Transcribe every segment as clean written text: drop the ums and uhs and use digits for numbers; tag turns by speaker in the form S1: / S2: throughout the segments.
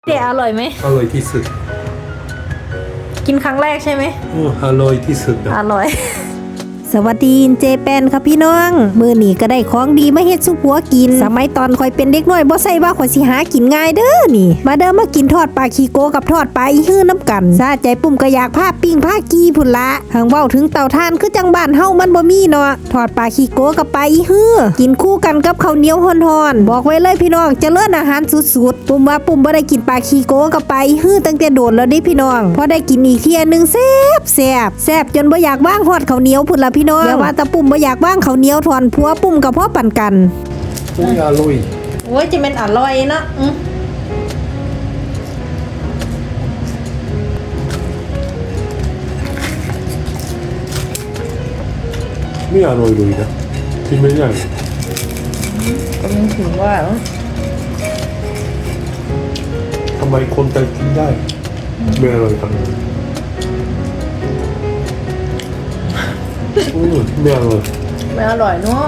S1: เจ๊อร่อยไหม
S2: อร่อยที่สุด
S1: กินครั้งแรกใช่ไหม
S2: อร่อยที่สุด
S1: อร่อย
S3: สวัสดีเจแปนค่ะพี่น้องมื้อนี้ก็ได้ของดีมาเฮ็ดซุปหัวกินสมัยตอนข่อยเป็นเด็กน้อยบ่ใส่ว่าข่อยสิหากินง่ายเด้อนี่มาเด้อมากินทอดปลาขี้โกกับทอดปลาอีฮื้อน้ำกันซาใจปุ่มก็อยากพาปิ้งพากีพุ่นละหังเว้าถึงเตาถ่านคือจังบ้านเฮามันบ่มีเนาะทอดปลาขี้โกกับปลาอีฮื้อกินคู่กันกับข้าวเหนียวฮ้อนๆบอกไว้เลยพี่น้องเจริญอาหารสุดๆปุ่มว่าปุ่มบ่ได้กินปลาขี้โกกับปลาอีฮื้อตั้งแต่โดนแล้วเด้พี่น้องพอได้กินอีกเที่ยนึงแซ่บจนบ่อยากว่างฮอดข้าวเหนียวพุ่นละพี่น้องแล้วว่าตะปุ่มบ่อยากว่างเขาเหนียวถอนผัวปุ่มกับพ่อปั่นกัน
S2: อร่อย
S1: โอ้ยจะเป็นอร่อยนะ
S2: ไม่อร่อยเลยนะกินไม่ได้
S1: ก็ยังถึงว่า
S2: ทำไมคนไทยกินได้ไม่อร่อยกันไม่อร่อย
S1: ไม่อร่อยเนาะ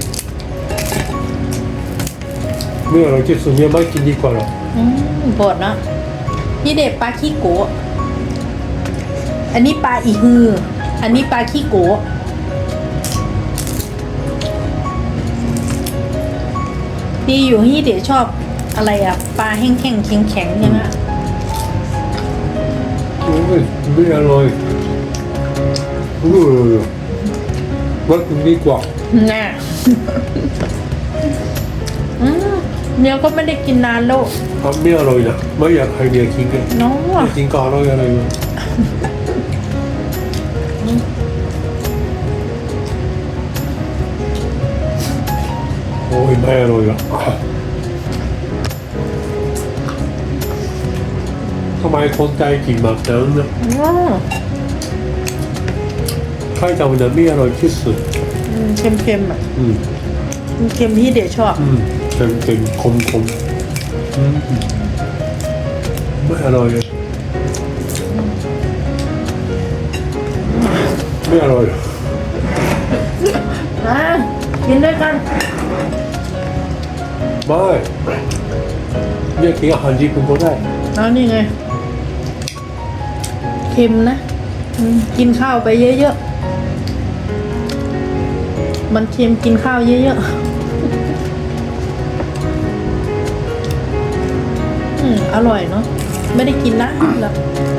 S2: ไม่อร่อยที่สุดเนี่ยไม่กินดีกว่าหรอ
S1: ปวดนะนี่เด็ดปลาขี้โกะอันนี้ปลาอีฮืออันนี้ปลาขี้โกะที่อยู่ที่เด็ดชอบอะไรอะปลาแห้งๆแข็งๆใช่ไหม
S2: ไม่อร่อยว่ากินดีกว่า
S1: น่ะเมียก็ไม่ได้กินนานแล้ว
S2: ไม่อร่อยนะไม่อยากให้เมียกินกัน
S1: น้อง
S2: กินก่อนอร่อยอะไรโอ้ยไม่อร่อยละทำไมคนใจกินแบบนั้นเนี่ยใครจำเป็นไม่อร่อยที่สุด
S1: เค็มๆอ่ะเค็มที่เด็กชอบ
S2: เค็มคมไม่อร่อยเลยไม่อร่อย
S1: กินด้วยกัน
S2: ไม่เนี่ยกินอาหารญี่ปุ่นก็ได้
S1: แล้วนี่ไงเค็มนะกินข้าวไปเยอะๆมันเค็มกินข้าวเยอะๆอร่อยเนาะไม่ได้กินนะแล้ว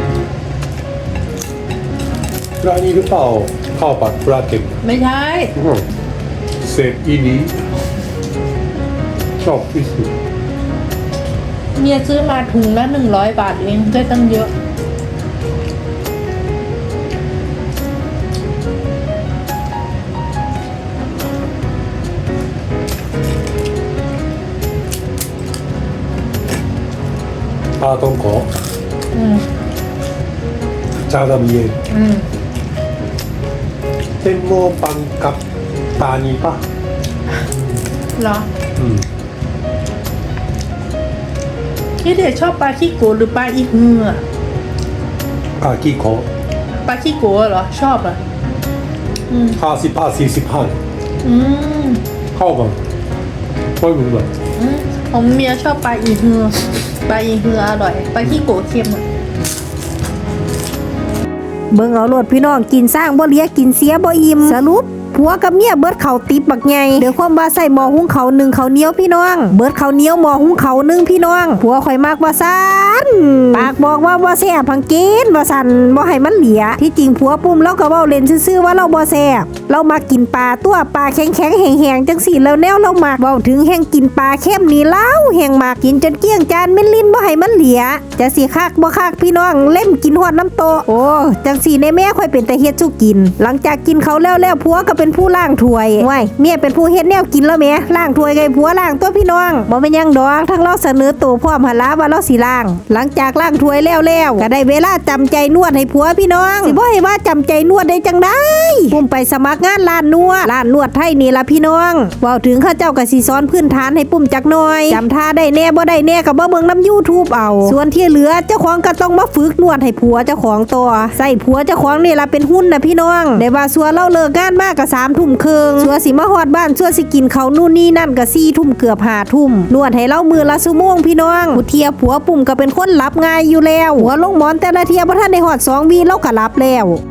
S2: ร้านนี้หรือเปล่าข้าวผัดปลาเค็ม
S1: ไม่ใช่
S2: เศษอีนี้ชอบที่สุด
S1: เมียซื้อมาถุงละ100 บาทเองได้ตั้งเยอะ
S2: ปลาต้องขอจาดำเย็นเต็มโมปังกับตานีป่ะ
S1: เหรอที่เด็กชอบปลาขี้โกหรือปลาอีฮือ
S2: ปลาขี้โก
S1: ปลาขี้โกเหรอชอบอ่ะ
S2: 50 40เข้ากันค่อยมึงแบบ
S1: ผมเมียชอบปลาอีฮือปลาอีฮืออร่อยปลาขี้โกเค็มอ่ะ
S3: เบิ่งเอาโลดพี่น้องกินสร้างบ่เลี้ยกินเสียบ่อิ่มสรุปผัวกับเมียเบิดเขาติบบักใหญ่เดี๋ยวความว่าใส่หม้อหุงเขาว1ข้าวเหนียวพี่น้องเบิดข้าวเหนียวหม้อหุงเขาว1พี่น้องผัวข่อยมักว่าซั่นปากบอกว่าบ่แซ่บพังกินว่าซั่นบ่ให้มันเหลียที่จริงผัวปุ้มเราก็เว้าเล่นซื่อๆว่าเราบ่แซ่บเรามากินปลาตัวปลาแข็งๆแห้งๆจังซี่แล้วแนวเรามักเว้าถึงแห้งกินปลาเค็มนี่แล้วแห้งมากกินจนเกลี้ยงจานเป็นลิ้นบ่ให้มันเหลียจะสิคักบ่คักพี่น้องเล่มกินฮอดน้ำโตโอ้จังซี่ในแม่ข่อยเป็นแต่เฮ็ดสู้กินหลังจากกินเขาแล้วผัวก็เป็นผู้ล้างถ้วยว้ายเมียเป็นผู้เฮ็ดแนวกินแล้วแม่ล้างถ้วยไงผัวล้างตัวพี่น้องบ่เป็นหยังดอกทั้งเราเสนอตัวพร้อมหั่นล่ะว่าเราสิล้างหลังจากล้างถ้วยแล้วก็ได้เวลาจำใจนวดให้ผัวพี่น้องสิบ่ให้ว่าจำใจนวดได้จังได๋ปุ่มไปสมัครงานร้านนวดไทยนี่ล่ะพี่น้องเว้าถึงเขาเจ้าก็สิสอนพื้นฐานให้ปุ่มจักหน่อยจำท่าได้แน่บ่ได้แน่ก็บ่เบิ่งนำ YouTube เอาส่วนที่เหลือเจ้าของก็ต้องมาฝึกนวดให้ผัวเจ้าของตัวใส่ผัวเจ้าของนี่ล่ะเป็นหุ้นนะพี่น้องได้ว่าสัวเราเลิกงานมากก็ 3 ทุ่มครึ่งชัวสิมาฮอดบ้านชัวสิกินเขาวนู่นนี่นั่นก็4 ทุ่มเกือบ5 ทุ่มนวดให้เล่ามือละชั่วโมงพี่น้องผู้เทียผัวปุ่มก็เป็นคนหลับง่ายอยู่แล้วหัวลงหมอนแต่ละเทียบ่ทันได้ฮอด2 วีแล้วก็หลับแล้ว